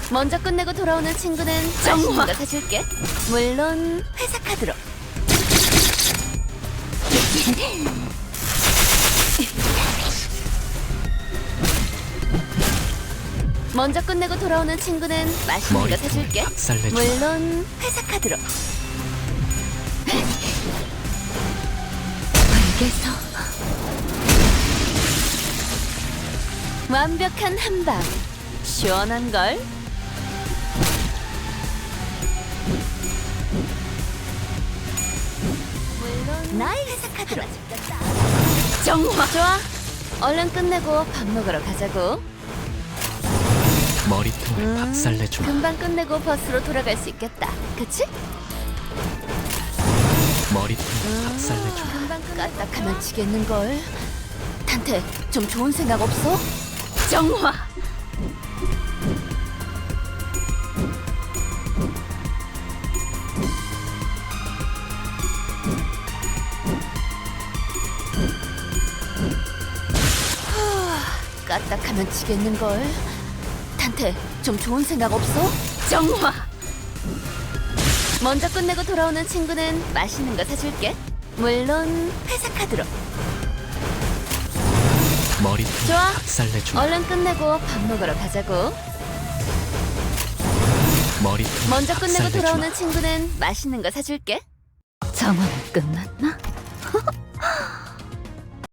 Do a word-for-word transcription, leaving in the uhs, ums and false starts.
먼저 끝내고 돌아오는 친구는 맛있는 거 사줄게. 물론 회사 카드로. 먼저 끝내고 돌아오는 친구는 맛있는 거 머리통을 사줄게. 박살내주마. 물론 회사 카드로. 알겠어. 완벽한 한방. 시원한 걸. 물론 나의 회사 카드로. 정화. 좋아. 얼른 끝내고 밥 먹으러 가자고. 머리통을 음, 박살내주마. 금방 끝내고 버스로 돌아갈 수 있겠다. 그치? 머리통을 박살내주마. 금방 까딱하면 지겠는걸. 탄테, 좀 좋은 생각 없어? 정화! 후, 까딱하면 지겠는걸. 탄테, 좀 좋은 생각 없어? 정화! 먼저 끝내고 돌아오는 친구는 맛있는 거 사줄게. 물론 회사 카드로. 머리통을 좋아. 박살내주마. 얼른 끝내고 밥 먹으러 가자고. 머리통을 먼저 끝내고 박살내주마. 돌아오는 친구는 맛있는 거 사줄게. 정화는 끝났나?